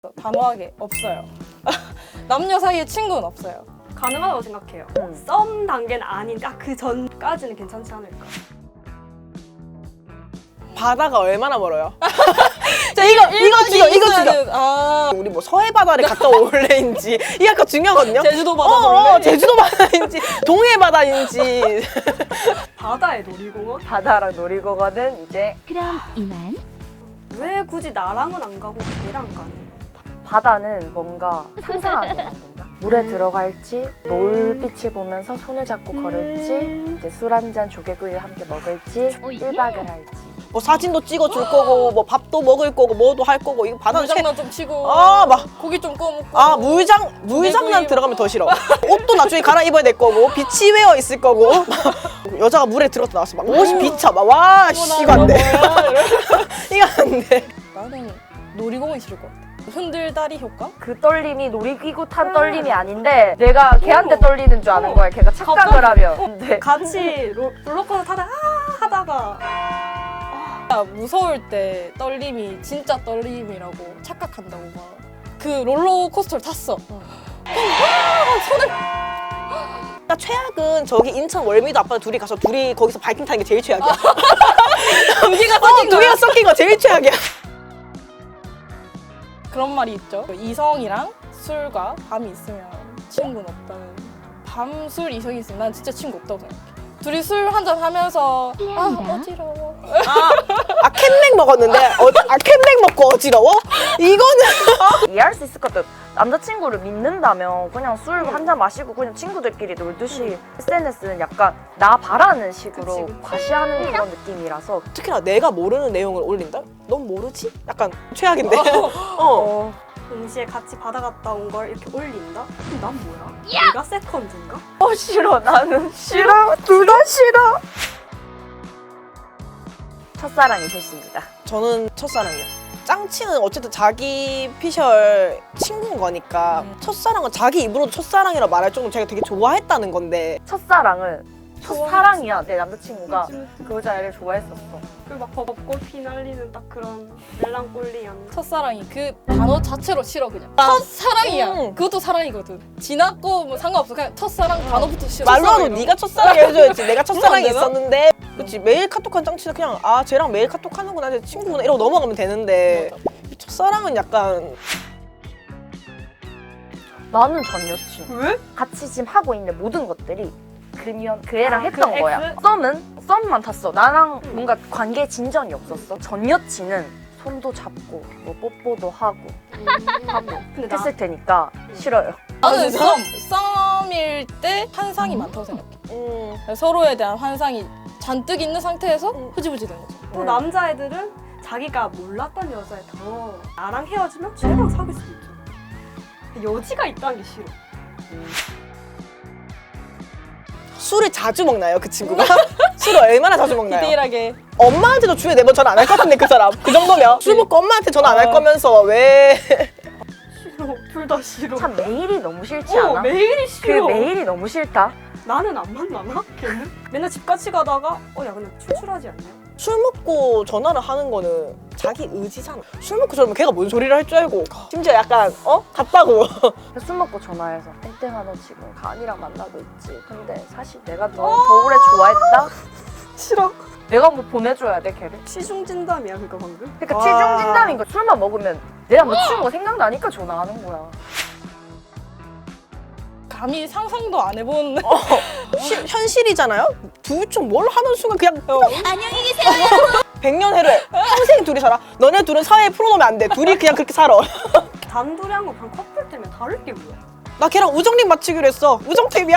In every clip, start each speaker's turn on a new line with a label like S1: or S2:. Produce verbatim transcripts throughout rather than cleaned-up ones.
S1: 단호하게 없어요. 남녀 사이에 친구는 없어요.
S2: 가능하다고 생각해요.
S3: 음.
S2: 썸 단계는 아닌데 아, 그 전까지는 괜찮지 않을까.
S4: 바다가 얼마나 멀어요? 자 이거 이거 죽여 이거 죽여.
S1: 아
S4: 우리 뭐 서해 바다를 갔다 올래인지 이게 아까 중요하거든요.
S1: 제주도 바다
S4: 어,
S1: 볼래?
S4: 어, 제주도 바다인지 동해 바다인지.
S2: 바다에 놀이공원?
S3: 바다랑 놀이공원은 이제
S5: 그럼 이만.
S2: 왜 굳이 나랑은 안 가고 걔랑 가는?
S3: 바다는 뭔가 상상하게 만든다. 물에 들어갈지, 노을빛을 보면서 손을 잡고 걸을지, 이제 술 한잔 조개구이 함께 먹을지,
S5: 오, 예.
S3: 일 박을 할지.
S4: 뭐 사진도 찍어줄 거고 뭐 밥도 먹을 거고 뭐도 할 거고 이거 바다는 최...
S1: 물장난 좀 치고
S4: 아, 막.
S1: 고기 좀 구워 먹고
S4: 아 물장 물장난
S1: 고기
S4: 들어가면 더 싫어. 옷도 나중에 갈아입어야 될 거고 비치웨어 있을 거고 여자가 물에 들어서 나왔어 막 옷이 비쳐 막와 이거 안 돼. 이거 안 돼.
S1: 나는 놀이공원이 싫을 것 같아. 흔들다리 효과?
S3: 그 떨림이 놀이기구 탄 떨림이 아닌데 내가 걔한테 떨리는 줄 아는 거야. 걔가 착각을 하면. 근데
S2: 같이 로, 롤러코스터 타다가 아 하다가
S1: 아, 무서울 때 떨림이 진짜 떨림이라고 착각한다고 막. 그 롤러코스터를 탔어.
S4: 나 최악은 저기 인천 월미도 아빠 둘이 가서 둘이 거기서 바이킹 타는 게 제일 최악이야.
S1: 두 개가
S4: 어,
S1: 섞인
S4: 두
S1: 거야.
S4: 개가 섞인 거 제일 최악이야.
S1: 그런 말이 있죠. 이성이랑 술과 밤이 있으면 친구는 없다는. 밤 술 이성이 있으면 난 진짜 친구 없다고 생각해. 둘이 술 한잔 하면서 아
S5: 미안하다.
S1: 어지러워.
S4: 아 캔맥 먹었는데 어, 아 캔맥 먹고 어지러워? 이거는
S3: 이해할 수 있을 것 같아. 남자친구를 믿는다면 그냥 술 한 잔 마시고 그냥 친구들끼리 놀듯이 에스엔에스는 약간 나 바라는 식으로
S2: 그치, 그치.
S3: 과시하는 그런 느낌이라서
S4: 특히나 내가 모르는 내용을 올린다? 넌 모르지? 약간 최악인데. 어.
S2: 동시에 같이 바다 갔다 온 걸 이렇게 올린다? 그럼 난 뭐야? 내가 세컨드인가?
S3: 어 싫어. 나는 싫어. 둘 다 싫어. 첫사랑이 됐습니다.
S4: 저는 첫사랑이요. 짱치는 어쨌든 자기 피셜 친구인 거니까
S1: 음.
S4: 첫사랑은 자기 입으로도 첫사랑이라 말할 정도로 제가 되게 좋아했다는 건데
S3: 첫사랑은 첫사랑이야. 내 남자친구가
S2: 그치, 그치.
S3: 그 여자애를 좋아했었어.
S2: 그막 벚꽃 피날리는 딱 그런 멜랑꼴리한
S1: 첫사랑이 그 단어 자체로 싫어 그냥. 첫사랑이야.
S4: 음.
S1: 그것도 사랑이거든. 지났고 뭐 상관없어. 그냥 첫사랑 단어부터 싫어.
S4: 말로라도
S1: 첫사랑이라고.
S4: 네가 첫사랑 해줘야지. 내가 첫사랑이
S1: 되나?
S4: 있었는데 그치 매일 카톡한 짱치는 그냥 아 쟤랑 매일 카톡하는구나 쟤 친구구나 이러고 넘어가면 되는데 이 첫사랑은 약간
S3: 나는 전 여친.
S2: 왜?
S3: 같이 지금 하고 있는 모든 것들이 그면 그 애랑
S2: 아,
S3: 했던
S2: 그
S3: 거야.
S2: X?
S3: 썸은 썸만 탔어. 나랑 뭔가 관계 진전이 없었어. 전 여친은 손도 잡고 뭐 뽀뽀도 하고 하고
S2: 근데 나
S3: 했을 테니까 싫어요.
S1: 나는 썸. 썸일 때 환상이 많다고 생각해.
S4: 음,
S1: 서로에 대한 환상이 잔뜩 있는 상태에서 흐지부지 되는 거죠.
S2: 또
S3: 음.
S2: 남자애들은 자기가 몰랐던 여자애 더 나랑 헤어지면 쟤랑 사귈 수도 있잖아. 여지가 있다는 게 싫어.
S4: 술을 자주 먹나요 그 친구가? 술을 얼마나 자주 먹나요?
S1: 디테일하게.
S4: 엄마한테도 주에 네 번 전화 안 할 것 같은데 그 사람 그 정도면 술 먹고 엄마한테 전화 안 할
S1: 아.
S4: 거면서 왜
S2: 싫어. 둘 다 싫어.
S3: 참 매일이 너무 싫지
S2: 어,
S3: 않아?
S2: 매일이
S3: 그
S2: 싫어.
S3: 매일이 너무 싫다.
S2: 나는 안 만나나? 걔는? 맨날 집 같이 가다가 어 야 근데 출출하지 않냐?
S4: 술 먹고 전화를 하는 거는 자기 의지잖아. 술 먹고 저러면 걔가 뭔 소리를 할 줄 알고 심지어 약간 어? 갔다고
S3: 술 먹고 전화해서 땡땡아 너 지금 가은이랑 만나고 있지. 근데 사실 내가 너 더 오래 좋아했다?
S2: 싫어.
S3: 내가 뭐 보내줘야 돼 걔를?
S2: 시중 진담이야 그거 방금?
S3: 그러니까
S4: 와.
S3: 치중 진담인 거야. 술만 먹으면 내 남자친구가 생각나니까 전화하는 거야.
S1: 감히 상상도 안 해본.
S4: 시- 현실이잖아요? 둘 중 뭘 하는 순간 그냥
S5: 안녕히 계세요.
S4: 백년 해를 평생 둘이 살아. 너네 둘은 사회에 풀어놓으면 안 돼. 둘이 그냥 그렇게 살아.
S2: 단둘이 한 거 그냥 커플 때문에 다를 게 뭐야?
S4: 나 걔랑 우정링 맞추기로 했어. 우정템이야.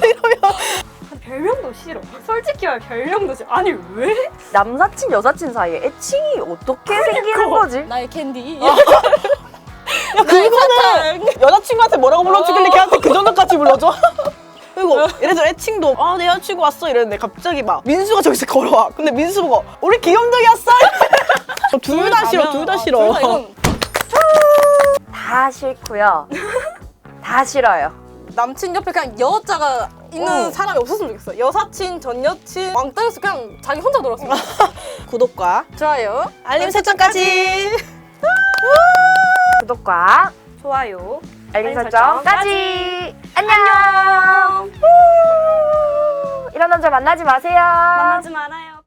S2: 별명도 싫어. 솔직히 말해 별명도 싫어. 아니 왜?
S3: 남사친 여사친 사이에 애칭이 어떻게 생기는 거지?
S1: 나의 캔디.
S4: 야 그거는 여자친구한테 뭐라고 불러주길래 걔한테 그 정도까지 불러줘? 그리고 예를 들어 애칭도 아 내 여자친구 왔어 이랬는데 갑자기 막 민수가 저기서 걸어와. 근데 민수 보고 우리 귀염둥이 왔어? 둘 다 싫어. 둘 다 싫어.
S1: 둘 다 이건
S3: 다 싫고요. 다 싫어요.
S1: 남친 옆에 그냥 여자가 있는
S4: 응.
S1: 사람이 없었으면 좋겠어. 여사친, 전 여친 왕따였어. 그냥 자기 혼자 놀았으면 좋겠어.
S4: 구독과
S1: 좋아요.
S4: 알림 설정까지.
S3: 구독과
S2: 좋아요.
S3: 알림
S2: 알림
S3: 설정까지. 안녕.
S2: 안녕.
S3: 이런 남자 만나지 마세요.
S2: 만나지 말아요.